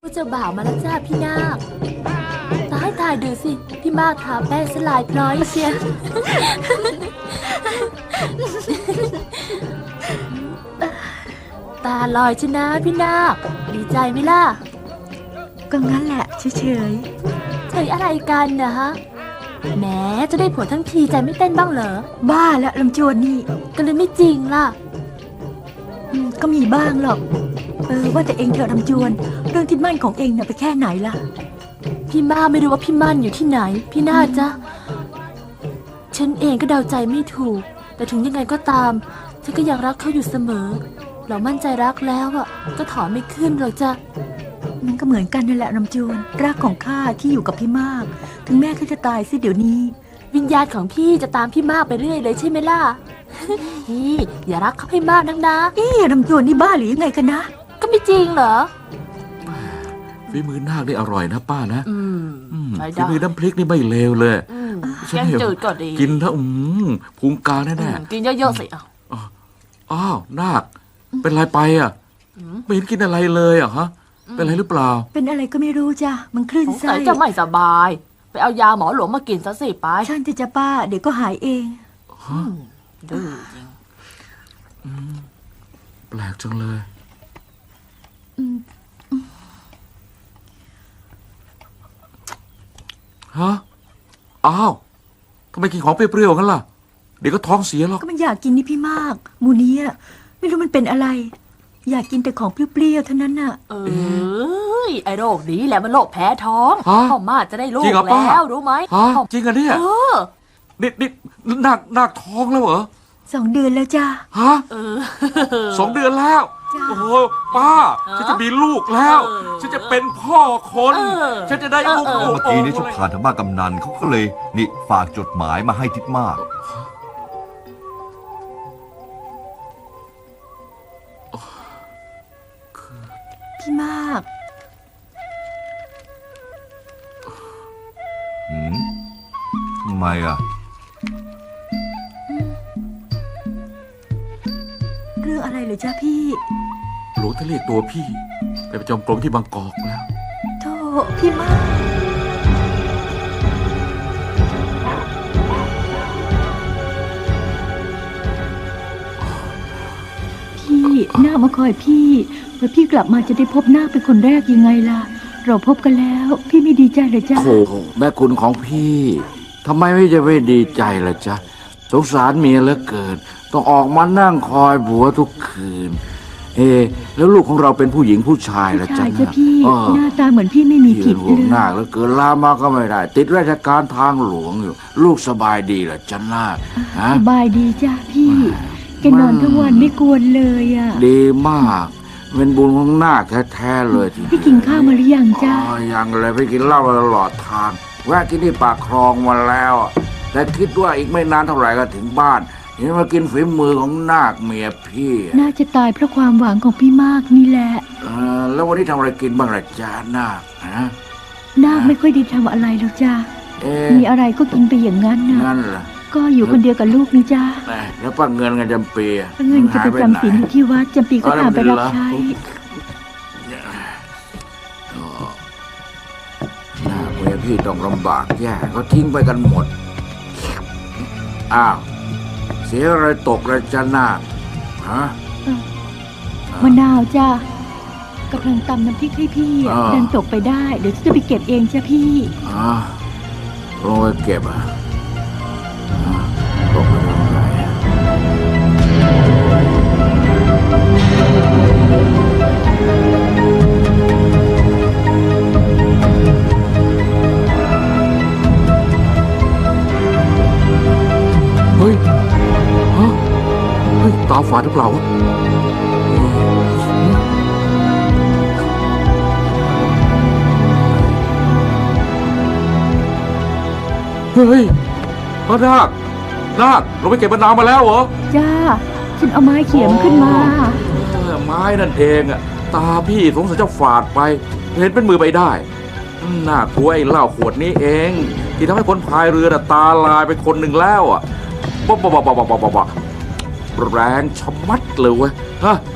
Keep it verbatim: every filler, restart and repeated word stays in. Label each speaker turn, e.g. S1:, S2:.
S1: เจ้าบ่าวมาแล้วจ้าพี่นาคตายตายดูสิพี่มากทาแป้งสลายพร้อยเชียตาลอยชนะพี่นาคดีใจไหมล่ะ
S2: ก็งั้นแหละเฉย
S1: เฉยอะไรกันนะฮะแหมจะได้ผัวทั้งทีใจไม่เต้นบ้างเหรอ
S2: บ้าแล้วลำจวนนี่
S1: ก็เลยไม่จริงล่ะ
S2: ก็มีบ้างหรอกเออว่าแต่เองเธอลำจวนเรื่องที่มั่นของเองเนี่ยไปแค่ไหนล่ะ
S1: พี่มาไม่รู้ว่าพี่มั่นอยู่ที่ไหนพี่น่าจะฉันเองก็เดาใจไม่ถูกแต่ถึงยังไงก็ตามฉันก็ยังรักเขาอยู่เสมอเรามั่นใจรักแล้วอ่ะก็ถอนไม่ขึ้นหรอกจ้ะ
S2: มันก็เหมือนกันนั่นแหละลำจวนรักของข้าที่อยู่กับพี่มากถึงแม่เขาจะตายสิเดี๋ยวนี้
S1: วิญญาณของพี่จะตามพี่มากไปเรื่อยเลยใช่ไหมล่ะนี่อย่ารักเขาให้มากนักนะ
S2: เอ๊ะลำจวนนี่บ้าหรือยังไงกันนะ
S1: ก็ไม่จริงเหรอ
S3: ฝีมือนาคนี่อร่อยนะป้านะ
S1: อืม
S3: ฝีมือน้ำพริกนี่ไม่เลวเลย
S1: แกงจืดก็ดี
S3: กินถ้าอืมพุงกาแน่
S1: ๆกินเยอะๆสิ
S3: อ้าวนาคเป็นไรไปอ่ะไม่เห็นกินอะไรเลยอ่ะฮะเป็นอะไรหรือเปล่า
S2: เป็นอะไรก็ไม่รู้จ้ะมันคลื่นไส้
S1: จะไม่สบายไปเอายาหมอหลวงมากินซะสิไป
S2: ฉันจะป้าเดี๋ยวก็หายเอง
S1: ดื้อจริง
S3: แปลกจังเลยฮะอ้าวทำไมกินของเปรี้ยวๆกันล่ะเดี๋ยวก็ท้องเสียหรอก
S2: ก็มันอยากกินนี่พี่มากมูนี้ไม่รู้มันเป็นอะไรอยากกินแต่ของเปรี้ยวๆเท่านั้นน่ะ
S1: เอ้ยไอ้โรคนี้แหละมันโรคแพ้ท้องพ่อมาจะได้ลูกแล้วรู้ไหม
S3: จริงเหรอเนี่ยนี่นี่นักนักท้องแล้วเหรอ
S2: สองเดือนแล้วจ้า
S3: ฮะสองเดือนแล้วโอ้โหป้าฉันจะมีลูกแล้วฉันจะเป็นพ่อคนฉันจะได้ลูก
S4: เมื่อกี้นี้ฉันผ่านทางบ้านกำนันเขาก็เลยนี่ฝากจดหมายมาให้ทิดมาก
S2: พี่มาก
S4: หืมทำไมอ่ะ
S2: เรื่องอะไรเหรอจ้าพี่
S3: หลวงท่านเรียกตัวพี่ไปประจำกรมที่บางกอกแล้ว
S2: โธ่พี่มากพี่นาคมาคอยพี่เมื่อพี่กลับมาจะได้พบนาคเป็นคนแรกยังไงล่ะเราพบกันแล้วพี่ไม่ดีใจเลยจ้ะ
S3: โอ้แม่คุณของพี่ทำไมไม่จะไม่ดีใจล่ะจ๊ะสงสารเมียเหลือเกินต้องออกมานั่งคอยผัวทุกคืนเอแล้วลูกของเราเป็นผู้หญิงผู้ชายล่ะจ๊ะ
S2: จ้ะพี่หน้าตาเหมือนพี่ไม่มีผิดเลย
S3: หน้าแล้วเกินลามาก็ไม่ได้ติดราชการทางหลวงอยู่ลูกสบายดีล่ะจ๊ะนาค
S2: สบายดีจ้ะพี่แกนอนทั้งวันไม่กวนเลยอ่ะ
S3: ดีมากเป็นบุญของนาคแท้ๆเลย
S2: พี่กินข้าวมาหรือยังจ้ะ
S3: อ๋อยังเลยพี่กินเหล้ามาตลอดทางแวะกินที่ปากคลองมาแล้วแต่คิดว่าอีกไม่นานเท่าไหร่ก็ถึงบ้านเห็นมากินฝีมือของนาคเมียพี่
S2: น่าจะตายเพราะความหวังของพี่มากนี่แหละ
S3: เออแล้ววันนี้ทำอะไรกินบ้างล่ะจ๊ะนาคฮะ
S2: นาคไม่ค่อยได้ทำอะไรหรอกจ้ะมีอะไรก็กินไปอย่างนั้นนะ
S3: นั่นแหละ
S2: ก็อยู่คนเดียวกับลูกนี่จ้า
S3: แล้วป้าเงินกันจำปี
S2: เงินจะไปจำศีลอยู่ที่วัดจำปีก็ตามไปรับใช้
S3: หน้าเมียพี่ต้องลำบากแย่เขาทิ้งไปกันหมดอ้าวเสียอะไรตกแล้วจ้านาคฮะ
S2: มะนาวจ้ากำลังตำน้ำพริกให้พี่เดินตกไปได้เดี๋ยวจะไปเก็บเองจ้าพี่
S3: อ๋อลงไปเก็บอ่ะตกไปทำไงเฮ้ยฮะเฮ้ยตาฝาดหรือเปล่าวะเฮ้ยพระนาคนาคเราไปเก็บมะนาวมาแล้วเหรอ
S2: จ้าฉันเอาไม้เขี่ยมขึ้นมา
S3: ไม้นั่นเองอ่ะตาพี่สงสัยจะฝาดไปเห็นเป็นมือไปได้น่ากลัวไอ้เหล้าขวดนี้เองที่ทำให้คนพายเรือตาลายไปคนหนึ่งแล้วอ่ะบ๊อบบ๊อบบ๊อบบ๊อบบ๊อบแรงชะมัดเลยเว้ยฮะ